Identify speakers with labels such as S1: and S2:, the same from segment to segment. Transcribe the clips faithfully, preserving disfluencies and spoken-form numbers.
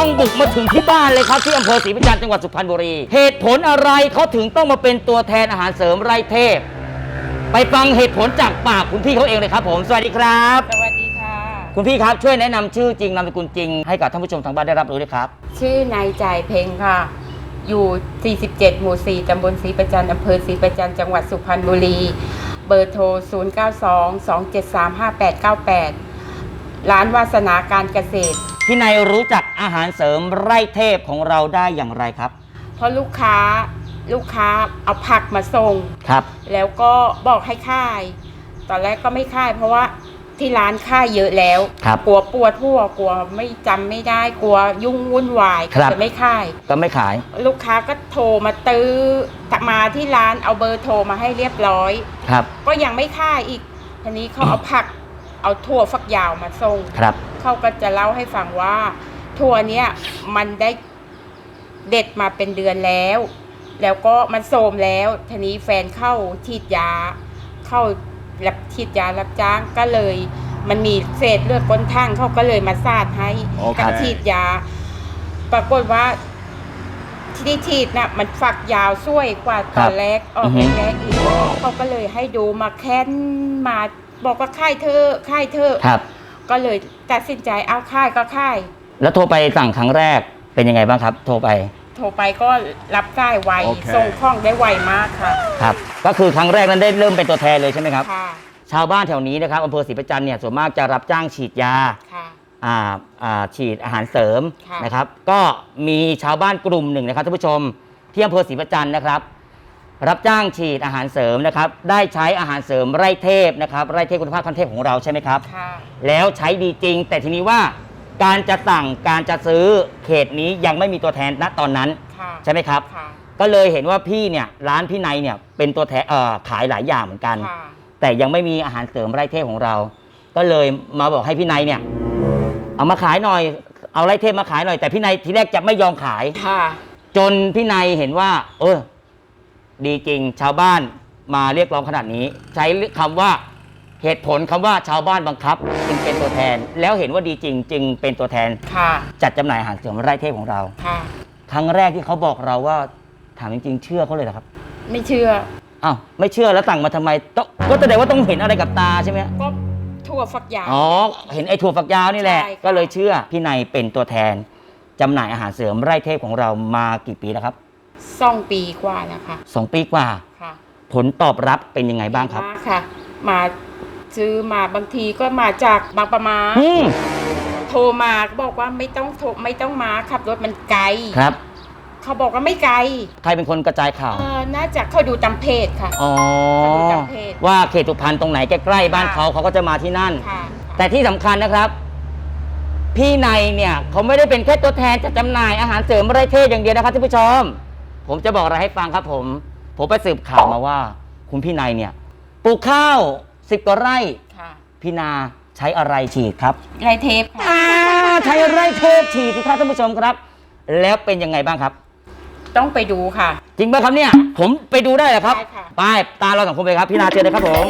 S1: ต้องบุกมาถึงที่บ้านเลยครับที่อำเภอศรีประจันทร์จังหวัดสุพรรณบุรีเหตุผลอะไรเขาถึงต้องมาเป็นตัวแทนอาหารเสริมไร่เทพไปฟังเหตุผลจากปากคุณพี่เขาเองเลยครับผมสวัสดีครับ
S2: สวัสดีค่ะ
S1: คุณพี่ครับช่วยแนะนำชื่อจริงนามสกุลจริงให้กับท่านผู้ชมทางบ้านได้รับรู้ด้วยครับ
S2: ชื่อนายจ่ายเพ็งค่ะอยู่สี่สิบเจ็ดหมู่สี่ตำบลศรีประจันทร์อำเภอศรีประจันทร์จังหวัดสุพรรณบุรีเบอร์โทรศูนย์ เก้า สอง สอง เจ็ด สาม ห้า แปด เก้า แปดร้านวาสนาการเกษตร
S1: พี่นายรู้จักอาหารเสริมไร่เทพของเราได้อย่างไรครับ
S2: เพราะลูกค้าลูกค้าเอาผักมาส่ง
S1: ครับ
S2: แล้วก็บอกให้ค่ายตอนแรกก็ไม่ค่ายเพราะว่าที่ร้านค่ายเยอะแล้วกลัวปวดหัวกลัวไม่จำไม่ได้กลัวยุ่งวุ่นวายจะไม่ค่าย
S1: ก็ไม่ขาย
S2: ลูกค้าก็โทรมาตื้อมาที่ร้านเอาเบอร์โทรมาให้เรียบร้อย
S1: ครับ
S2: ก็ยังไม่ค่ายอีกทีนี้เขาเอาผักเอาถั่วฝักยาวมาส่ง
S1: ครับ
S2: เขาก็จะเล่าให้ฟังว่าถั่วเนี้ยมันได้เด็ดมาเป็นเดือนแล้วแล้วก็มันโทรมแล้วทีนี้แฟนเข้าฉีดยาเข้ารับฉีดยารับจ้างก็เลยมันมีเศษเลือดก้นทั่งเขาก็เลยมาสาดให้กับฉีดยาปรากฏว่าที่ฉีดน่ะมันฝักยาวช่วยกว่าตอนแรกออกแรกอีกเขาก็เลยให้ดูมาแค้นมาบอกว่าค่ายเธอค่ายเธอก็เลยตัดสินใจเอาค่ายก็ค่าย
S1: แล้วโทรไปสั่งครั้งแรกเป็นยังไงบ้างครับโทรไป
S2: โทรไปก็รับได้ไว okay. ส่งคล่องได้ไวมากค่ะ
S1: ครับก็คือครั้งแรกนั้นได้เริ่มเป็นตัวแทนเลยใช่ไหมครับ
S2: ค่ะ
S1: ชาวบ้านแถวนี้นะครับอำเภอศรีประจันทร์เนี่ยส่วนมากจะรับจ้างฉีดยา
S2: ค่ะ
S1: อ่าอ่าฉีดอาหารเสริมนะครับก็มีชาวบ้านกลุ่มหนึ่งนะครับท่านผู้ชมที่อำเภอศรีประจันทร์นะครับรับจ้างฉีดอาหารเสริมนะครับได้ใช้อาหารเสริมไร่เทพนะครับไร่เทพคุณภาพขั้นเทพของเราใช่ไหมครับ
S2: ค่ะ
S1: แล้วใช้ดีจริงแต่ทีนี้ว่าการจะสั่งการจะซื้อเขตนี้ยังไม่มีตัวแทนณตอนนั้นใช่ไหมครับก็เลยเห็นว่าพี่เนี่ยร้านพี่นายเนี่ยเป็นตัวแทนเอ่อขายหลายอย่างเหมือนกันแต่ยังไม่มีอาหารเสริมไร่เทพของเรา ก็เลยมาบอกให้พี่นายเนี่ยเอามาขายหน่อยเอาไร่เทพมาขายหน่อยแต่พี่นายทีแรกจะไม่ยอมขายจนพี่นายเห็นว่าเออดีจริงชาวบ้านมาเรียกร้องขนาดนี้ใช้คำว่าเหตุผลคำว่าชาวบ้านบังคับจึงเป็นตัวแทนแล้วเห็นว่าดีจริงจึงเป็นตัวแทนจัดจำหน่ายอาหารเสริมไร่เทพของเราครั้งแรกที่เขาบอกเราว่าถามจริงๆเชื่อเขาเลยเหรอครับ
S2: ไม่เชื่อ
S1: อ้าวไม่เชื่อแล้วสั่งมาทำไมก็แสดงว่าต้องเห็นอะไรกับตาใช่ไหม
S2: ก็ถั่วฝักยาว
S1: อ๋อเห็นไอ้ถั่วฝักยาวนี่แหละก็เลยเชื่อพี่นายเป็นตัวแทนจำหน่ายอาหารเสริมไร่เทพของเรามากี่ปีแล้วครับ
S2: สองปีกว่าแล้วค่ะ
S1: สองปีกว่า
S2: ค่ะ
S1: ผลตอบรับเป็นยังไงบ้างครับ
S2: ค่ะมาซื้อมาบางทีก็มาจากบางประมาโทรมาบอกว่าไม่ต้องโทรไม่ต้องมาขับรถมันไกล
S1: ครับ
S2: เขาบอกว่าไม่ไกล
S1: ใครเป็นคนกระจายข่าว
S2: เออน่าจะเขาดูตามเพจค่ะ
S1: อ๋อว่าเขตสุพรรณตรงไหนใกล้ๆบ้านเขาเขาก็จะมาที่นั่นแต่ที่สำคัญนะครับพี่นายเนี่ยเขาไม่ได้เป็นแค่ตัวแทนจัดจำหน่ายอาหารเสริมไร่เทพอย่างเดียวนะครับท่านผู้ชมผมจะบอกอะไรให้ฟังครับผมผมไปสืบข่าวมาว่าคุณพี่นายเนี่ยปลูกข้าวสิบกว่าไร่พี่นาใช้อะไรฉีดครับ
S2: ไร่เทพค่ะ
S1: ใช้ไร่เทพฉีดสิครับท่านผู้ชมครับแล้วเป็นยังไงบ้างครับ
S2: ต้องไปดูค่ะ
S1: จริงไหมครับเนี่ยผมไปดูได้เหรอครับไปตาเราสองคนไปครับพี่นาเชิญเลยครับผม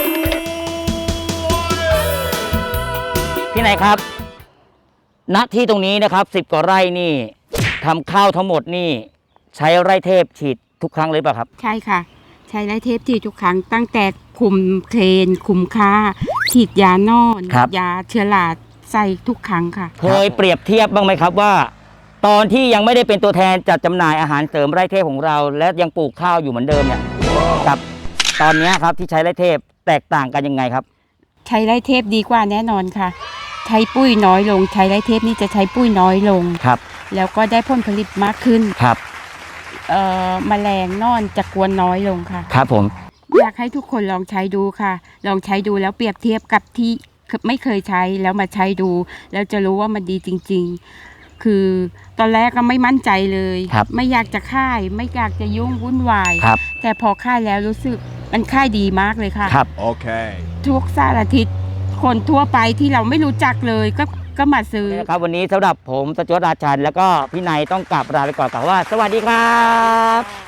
S1: พี่นายครับณที่ตรงนี้นะครับสิบกว่าไร่นี่ทำข้าวทั้งหมดนี่ใช้ไร่เทพฉีดทุกครั้งเลยป่ะครับ
S2: ใช่ค่ะใช้ไร่เทพฉีดทุกครั้งตั้งแต่คุมเทรนคุมค่าฉีดยานอนยาเชื้อราใส่ทุกครั้งค่ะ
S1: เคยเปรียบเทียบบ้างไหมครับว่าตอนที่ยังไม่ได้เป็นตัวแทนจัดจำหน่ายอาหารเสริมไร่เทพของเราและยังปลูกข้าวอยู่เหมือนเดิมเนี่ยกับตอนนี้ครับที่ใช้ไร่เทพแตกต่างกันยังไงครับ
S2: ใช้ไร่เทพดีกว่าแน่นอนค่ะใช้ปุ้ยน้อยลงใช้ไร่เทพนี่จะใช้ปุ้ยน้อยลง
S1: ครับ
S2: แล้วก็ได้ผลผลิตมากขึ้น
S1: ครับ
S2: เอ่อแมลงนอนจะกวนน้อยลงค่ะ
S1: ครับผม
S2: อยากให้ทุกคนลองใช้ดูค่ะลองใช้ดูแล้วเปรียบเทียบกับที่ไม่เคยใช้แล้วมาใช้ดูแล้วจะรู้ว่ามันดีจริงๆคือตอนแรกก็ไม่มั่นใจเลยไม่อยากจะค่ายไม่อยากจะยุ่งวุ่นวายแต่พอค่ายแล้วรู้สึกมันค่ายดีมากเลยค่ะ
S1: ครับโอเค
S2: ทุกสารทิศคนทั่วไปที่เราไม่รู้จักเลยก็ก็มาซื้อ
S1: นะครับวันนี้สำหรับผมสจวตราชันแล้วก็พี่นายต้องกลับลาไปก่อนกล่าวว่าสวัสดีครับ